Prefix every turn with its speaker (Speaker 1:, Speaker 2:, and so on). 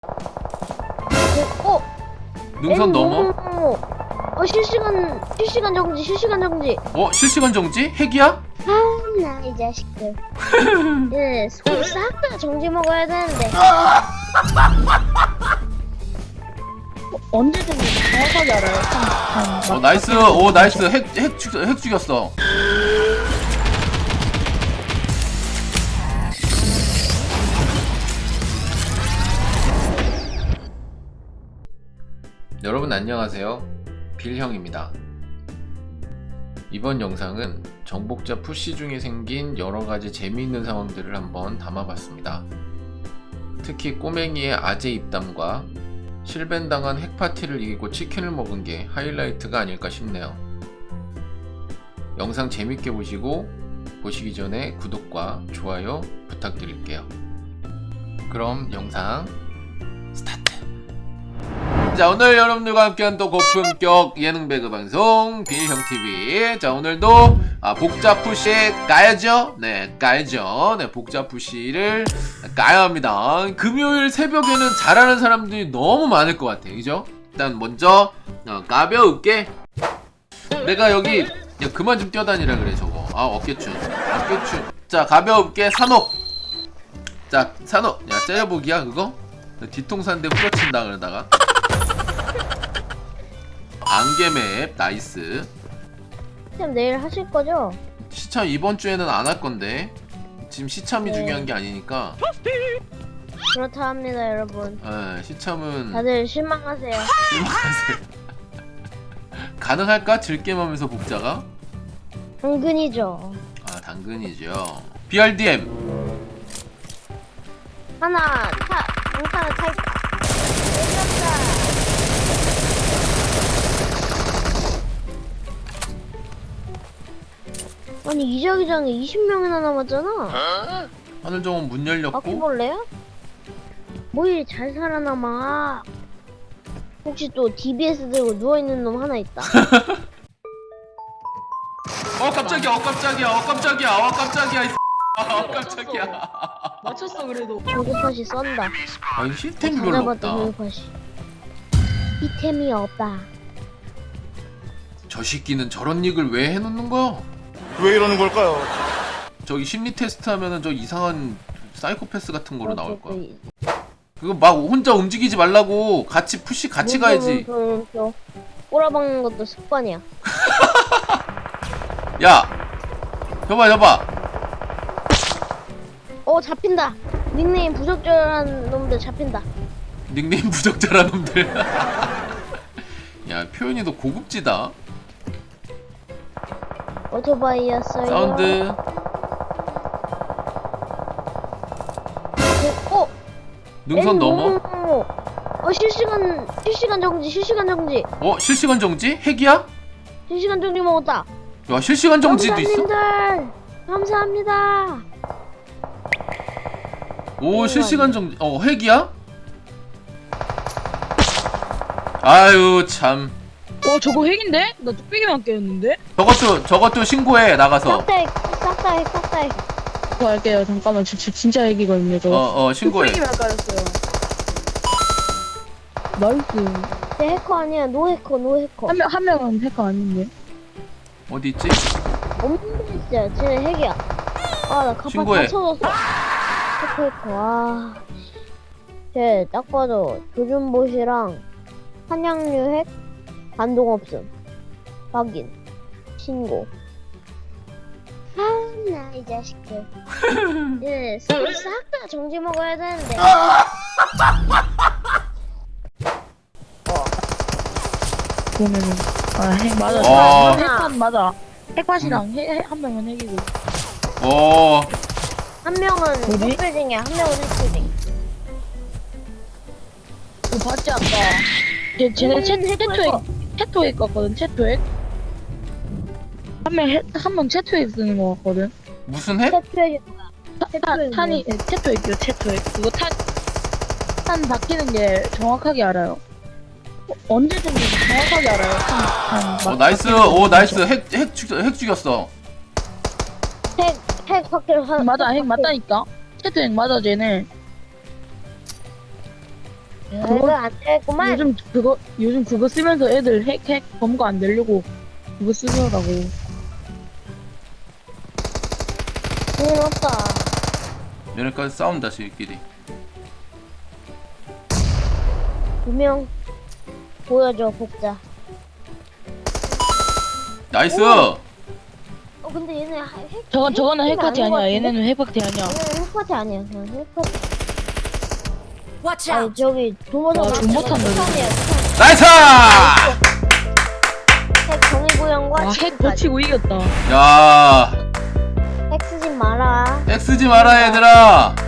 Speaker 1: 능선 넘어?
Speaker 2: 실시간 정지, 실시간 정지.
Speaker 1: 실시간 정지? 핵이야?
Speaker 2: 나 이 자식들. 예, 손 싹 다 정지 먹어야 되는데.
Speaker 3: 언제든지 정확하게 알아요.
Speaker 1: 나이스. 나이스. 핵 죽였어. 여러분 안녕하세요. 빌형입니다. 이번 영상은 정복자 푸시 중에 생긴 여러가지 재미있는 상황들을 한번 담아봤습니다. 특히 꼬맹이의 아재 입담과 실벤당한 핵파티를 이기고 치킨을 먹은 게 하이라이트가 아닐까 싶네요. 영상 재밌게 보시고 보시기 전에 구독과 좋아요 부탁드릴게요. 그럼 영상 스타트! 자, 오늘 여러분들과 함께한 또 고품격 예능 배그 방송 빌형TV. 자, 오늘도 복자 푸시 까야죠? 네, 까야죠. 네, 복자 푸시를 까야 합니다. 금요일 새벽에는 잘하는 사람들이 너무 많을 것 같아. 그죠? 일단 먼저 가벼울게. 내가 여기 야, 그만 좀 뛰어다니라 그래 저거. 어깨춤. 자, 가벼울게 산옥. 자, 산옥. 야, 째려보기야 그거? 뒤통수한테 후려친다 그러다가. 안개맵 나이스.
Speaker 2: 시참 내일 하실 거죠?
Speaker 1: 시참 이번 주에는 안 할 건데 지금 시참이
Speaker 2: 네.
Speaker 1: 중요한 게 아니니까.
Speaker 2: 그렇다 합니다, 여러분.
Speaker 1: 시참은
Speaker 2: 다들 실망하세요.
Speaker 1: 실망하세요. 가능할까? 즐겜하면서 복자가?
Speaker 2: 당근이죠.
Speaker 1: 당근이죠. BRDM
Speaker 2: 하나 타 있다. 아니 이 자기장에 20명이나 남았잖아.
Speaker 1: 하늘정원 문 열렸고.
Speaker 2: 바퀴벌레야? 뭐 이리 잘 살아남아. 혹시 또 DBS 들고 누워있는 놈 하나 있다.
Speaker 1: 깜짝이야 깜짝이야.
Speaker 3: 맞췄어 그래도.
Speaker 2: 조급하시 썬다.
Speaker 1: 힐템이 별로
Speaker 2: 찾아봤다
Speaker 1: 없다.
Speaker 2: 조급하시. 이템이 없다.
Speaker 1: 저 새끼는 저런 닉을 왜 해놓는 거야?
Speaker 4: 왜 이러는 걸까요?
Speaker 1: 저기 심리 테스트 하면은 저 이상한 사이코패스 같은 거로 나올 거야.
Speaker 2: 그
Speaker 1: 그거 막 혼자 움직이지 말라고. 같이 푸시 같이 가야지.
Speaker 2: 꼬라박는 것도 습관이야.
Speaker 1: 야, 잡아.
Speaker 2: 잡힌다. 닉네임 부적절한 놈들 잡힌다.
Speaker 1: 닉네임 부적절한 놈들. 야, 표현이 더 고급지다.
Speaker 2: 오토바이였어요.
Speaker 1: 사운드. 능선 넘어?
Speaker 2: 실시간 정지.
Speaker 1: 실시간 정지? 핵이야?
Speaker 2: 실시간 정지 먹었다.
Speaker 1: 야, 실시간 정지도 있어?
Speaker 2: 영사님들 감사합니다.
Speaker 1: 실시간 정지. 핵이야? 아유, 참.
Speaker 3: 저거 핵인데? 나 뚝배기만 깨웠는데?
Speaker 1: 저것도 신고해, 나가서.
Speaker 2: 싹다 핵.
Speaker 3: 그거 할게요. 잠깐만. 진짜 핵이거든요. 저거.
Speaker 1: 신고해.
Speaker 3: 뚝배기만 깔았어요. 나이스.
Speaker 2: 쟤 해커 아니야. 노 해커.
Speaker 3: 한 명은 해커 아닌데.
Speaker 1: 어디 있지?
Speaker 2: 없는데 진짜 쟤 핵이야. 나 갑바
Speaker 1: 신고해.
Speaker 2: 다 쳐졌어. 해커. 쟤 딱 봐도 조준봇이랑 한양류 핵 반동 없음. 확인. 신고. 나 이 자식들. 예, 싹 다 정지 먹어야 되는데.
Speaker 3: 보면은. 핵 맞아.
Speaker 1: 와.
Speaker 3: 핵판 맞아. 핵팟이랑 한 명은 핵이고.
Speaker 2: 한 명은
Speaker 3: 어디?
Speaker 2: 흑빌딩이야. 한 명은 흑빌딩.
Speaker 3: 그거 봤지 아까? 쟤네 채토액 같거든. 채토액. 한 명 채토액 쓰는 거 같거든.
Speaker 1: 무슨 핵?
Speaker 2: 태표해.
Speaker 3: 탄이 채토액이요. 채토액. 그거 탄 바뀌는 게 정확하게 알아요. 언제든지 정확하게 알아요. 탄
Speaker 1: 나이스.
Speaker 3: 바뀌는 거.
Speaker 1: 나이스. 핵 죽였어.
Speaker 2: 핵 확대를 하.
Speaker 3: 맞아. 핵 맞다니까. 채토액 맞아 쟤네.
Speaker 2: 이거 안 되겠구만.
Speaker 3: 요즘 그거 쓰면서 애들 핵 검거 안 되려고 그거 쓰더라고.
Speaker 2: 큰일 났다.
Speaker 1: 얘네까지 싸운다 지들끼리.
Speaker 2: 2명 보여줘 복자.
Speaker 1: 나이스.
Speaker 2: 근데 얘네
Speaker 3: 저거는
Speaker 2: 핵
Speaker 3: 핵파티
Speaker 2: 아닌 것
Speaker 3: 아니야.
Speaker 2: 같은데?
Speaker 3: 얘네는 핵파티 아니야.
Speaker 2: 얘는 핵파티 아니야. 그냥 핵파티.
Speaker 5: Watch
Speaker 2: 아니
Speaker 5: out!
Speaker 2: 저기 도모성
Speaker 3: 와, 돈못한 놈이네.
Speaker 1: 나이스.
Speaker 2: 핵 정의구형과
Speaker 3: 와, 핵 버치고 이겼다.
Speaker 1: 야,
Speaker 2: 핵 쓰지 마라.
Speaker 1: 핵 쓰지 마라 얘들아.